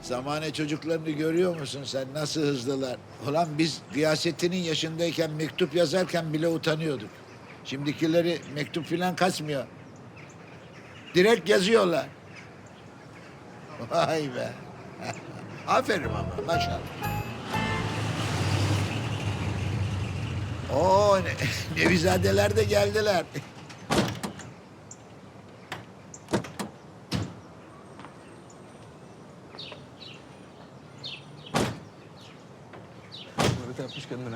Zamane çocuklarını görüyor musun sen? Nasıl hızlılar. Ulan biz Gıyasettin'in yaşındayken mektup yazarken bile utanıyorduk. Şimdikileri mektup filan kasmıyor. Direkt yazıyorlar. Vay be. Aferin ama maşallah. Oo, Nevizadeler de geldiler. Böyle yapmış kendine.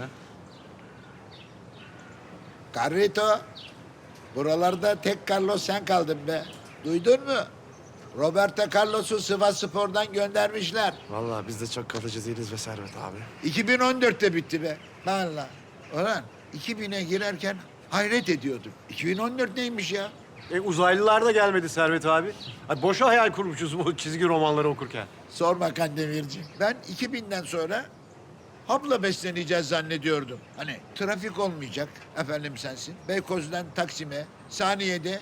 Carrito, buralarda tek Carlos sen kaldın be. Duydun mu? Roberto Carlos'u Sivasspor'dan göndermişler. Vallahi biz de çok kalıcı değiliz be Servet abi. 2014'te bitti be. Vallahi. Ulan 2000'e girerken hayret ediyordum. 2014 neymiş ya? Uzaylılar da gelmedi Servet abi. Ay, boşa hayal kurmuşuz bu çizgi romanları okurken. Sorma Kandemirci. Ben 2000'den sonra hapla besleneceğiz zannediyordum. Hani trafik olmayacak, efendim sensin. Beykoz'dan Taksim'e, saniyede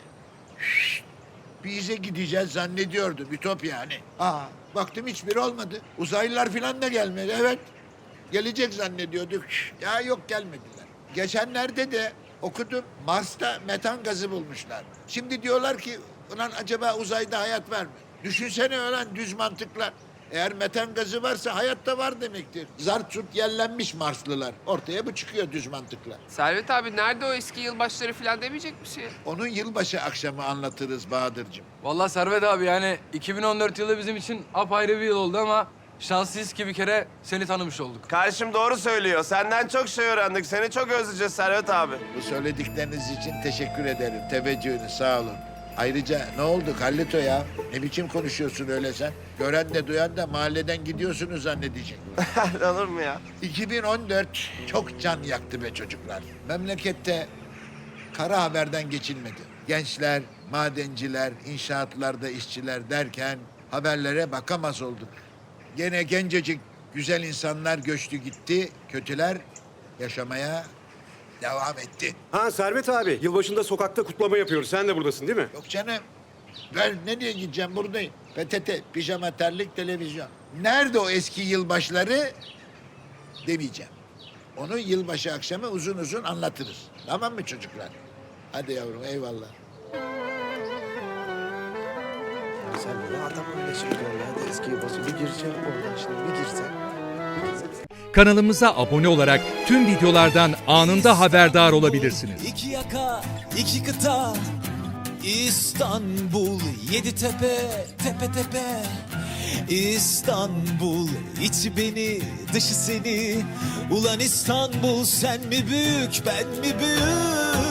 bize gideceğiz zannediyordum. Ütopya hani. Baktım hiçbir olmadı. Uzaylılar falan da gelmedi, evet. Gelecek zannediyorduk. Ya yok gelmediler. Geçenlerde de okudum. Mars'ta metan gazı bulmuşlar. Şimdi diyorlar ki ulan acaba uzayda hayat var mı? Düşünsene ulan düz mantıkla. Eğer metan gazı varsa hayatta var demektir. Zart zurt yerlenmiş Marslılar. Ortaya bu çıkıyor düz mantıkla. Servet abi nerede o eski yılbaşları falan demeyecek misin? Onun yılbaşı akşamı anlatırız Bahadır'cığım. Vallahi Servet abi yani 2014 yılı bizim için apayrı bir yıl oldu ama şanslıyız ki bir kere seni tanımış olduk. Kardeşim doğru söylüyor. Senden çok şey öğrendik. Seni çok özleyeceğiz Servet abi. Bu söyledikleriniz için teşekkür ederim. Teveccühünüz sağ olun. Ayrıca ne oldu Carlito ya? Ne biçim konuşuyorsun öyle sen? Gören de duyan da mahalleden gidiyorsunuz zannedecek. Olur mu ya? 2014 çok can yaktı be çocuklar. Memlekette kara haberden geçilmedi. Gençler, madenciler, inşaatlarda işçiler derken haberlere bakamaz olduk. Gene gencecik güzel insanlar göçtü gitti, kötüler yaşamaya devam etti. Ha Servet abi, yılbaşında sokakta kutlama yapıyoruz. Sen de buradasın değil mi? Yok canım. Ben nereye gideceğim buradayım. PTT, pijama, terlik, televizyon. Nerede o eski yılbaşları demeyeceğim. Onu yılbaşı akşamı uzun uzun anlatırız. Tamam mı çocuklar? Hadi yavrum eyvallah. Sen ne adam öyle söylüyor ya. Eski yılbaşı bir gireceğim oradan şimdi bir girse. Kanalımıza abone olarak tüm videolardan anında haberdar olabilirsiniz. İki yaka, iki kıta, İstanbul, yedi tepe, tepe tepe. İstanbul, içi beni, dışı seni. Ulan İstanbul, sen mi büyük, ben mi büyük?